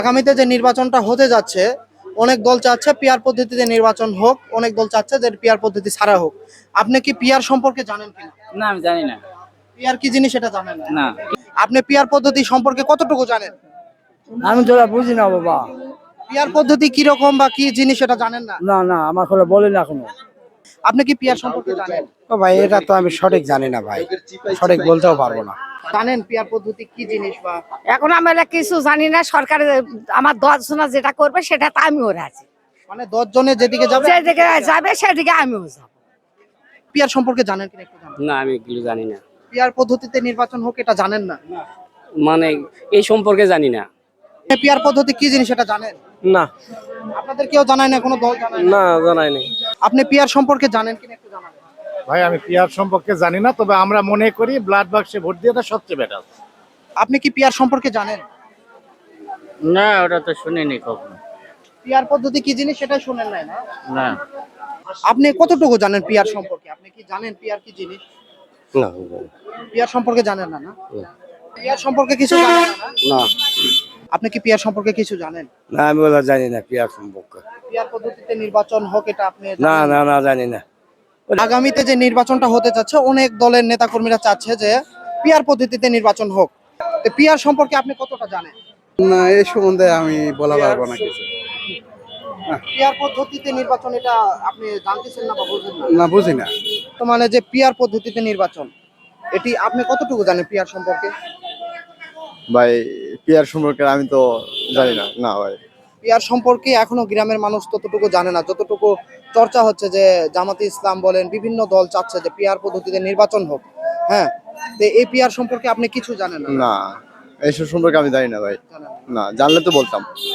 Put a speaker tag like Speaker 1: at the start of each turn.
Speaker 1: আগামীতে যে নির্বাচনটা হতে যাচ্ছে, অনেক দল চাচ্ছে পিআর পদ্ধতিতে নির্বাচন হোক, অনেক দল চাচ্ছে যে পিআর পদ্ধতি ছাড়া হোক। আপনি কি পিআর সম্পর্কে জানেন কিনা?
Speaker 2: না, আমি জানি না।
Speaker 1: পিআর কি জিনিস এটা জানেন না?
Speaker 2: না,
Speaker 1: আপনি পিআর পদ্ধতি সম্পর্কে কতটুকু জানেন?
Speaker 3: আমি তো বুঝি না বাবা।
Speaker 1: পিআর পদ্ধতি কি রকম বা কি জিনিস এটা জানেন না?
Speaker 3: না না, আমার খোলা বলে না এখনো।
Speaker 1: আপনি কি পিআর সম্পর্কে জানেন?
Speaker 4: ও ভাই, এটা তো আমি সঠিক জানি না ভাই, সঠিক বলতেও পারবো না।
Speaker 1: জানেন পিআর পদ্ধতি কি জিনিস বা
Speaker 5: এখন আমরা কিছু জানি না, সরকার আমার 10 জনা যেটা করবে সেটা তো আমিও রাজি।
Speaker 1: মানে 10 জনের যেদিকে যাবে
Speaker 5: যেদিকে যাবে সেদিকে আমিও যাব।
Speaker 1: পিআর সম্পর্কে জানেন কিনা একটু জানেন?
Speaker 2: না, আমি এগুলো জানি না।
Speaker 1: পিআর পদ্ধতিতে নির্বাচন হোক এটা জানেন না?
Speaker 2: মানে এই সম্পর্কে জানি না।
Speaker 1: পিআর পদ্ধতি কি জিনিস এটা জানেন?
Speaker 4: না
Speaker 1: আপনাদের কেউ জানায় না, কোনো দল জানায় না?
Speaker 4: না, জানাই নেই।
Speaker 1: আপনি পিআর সম্পর্কে জানেন কিনা একটু জানাবেন?
Speaker 6: ভাই আমি পিআর সম্পর্কে জানি না, তবে আমরা মনে করি ব্লাড বাক্সে ভোট দেওয়াটা সবচেয়ে বেটার।
Speaker 1: আপনি কি পিআর সম্পর্কে জানেন?
Speaker 2: না, ওটা তো শুনিনি কখনো।
Speaker 1: পিআর পদ্ধতি কি জিনিস সেটা শুনেন নাই না?
Speaker 2: না,
Speaker 1: আপনি কতটুকু জানেন পিআর সম্পর্কে? আপনি কি জানেন পিআর কি জিনিস?
Speaker 4: না
Speaker 1: পিআর সম্পর্কে জানেন না? না পিআর সম্পর্কে কিছু জানেন না?
Speaker 4: না
Speaker 1: আপনি কি পিআর সম্পর্কে কিছু জানেন?
Speaker 4: না, আমি বলা জানি না পিয়ার সম্পর্কে।
Speaker 1: পিআর পদ্ধতিতে নির্বাচন হোক এটা আপনি
Speaker 4: না
Speaker 1: জানেন?
Speaker 4: না না, জানি না।
Speaker 1: আগামীতে যে নির্বাচনটা হতে যাচ্ছে, অনেক দলের নেতাকর্মীরা চাচ্ছে যে পিআর পদ্ধতিতে নির্বাচন হোক। তো পিআর সম্পর্কে আপনি কতটা জানেন?
Speaker 4: না, এই সম্বন্ধে আমি বলা পারবো না কিছু।
Speaker 1: পিআর পদ্ধতিতে নির্বাচন এটা আপনি জানতেছেন না বা বুঝেন না?
Speaker 4: না, বুঝি না।
Speaker 1: তো মানে যে পিআর পদ্ধতিতে নির্বাচন, এটি আপনি কতটুকু জানেন পিআর সম্পর্কে?
Speaker 4: ভাই, পিয়ার সম্পর্কে আমি তো জানি না। না ভাই।
Speaker 1: পিআর সম্পর্কে এখনো গ্রামের মানুষ ততটুকু জানে না, যতটুকু চর্চা হচ্ছে যে জামাতে ইসলাম বলেন, বিভিন্ন দল চাচ্ছে যে পিআর পদ্ধতিতে নির্বাচন হোক। হ্যাঁ, তো এই পিআর সম্পর্কে আপনি কিছু জানেন না?
Speaker 4: না, এইসব সম্পর্কে আমি জানি না ভাই।
Speaker 1: জানেন না।
Speaker 4: না, জানলে তো বলতাম।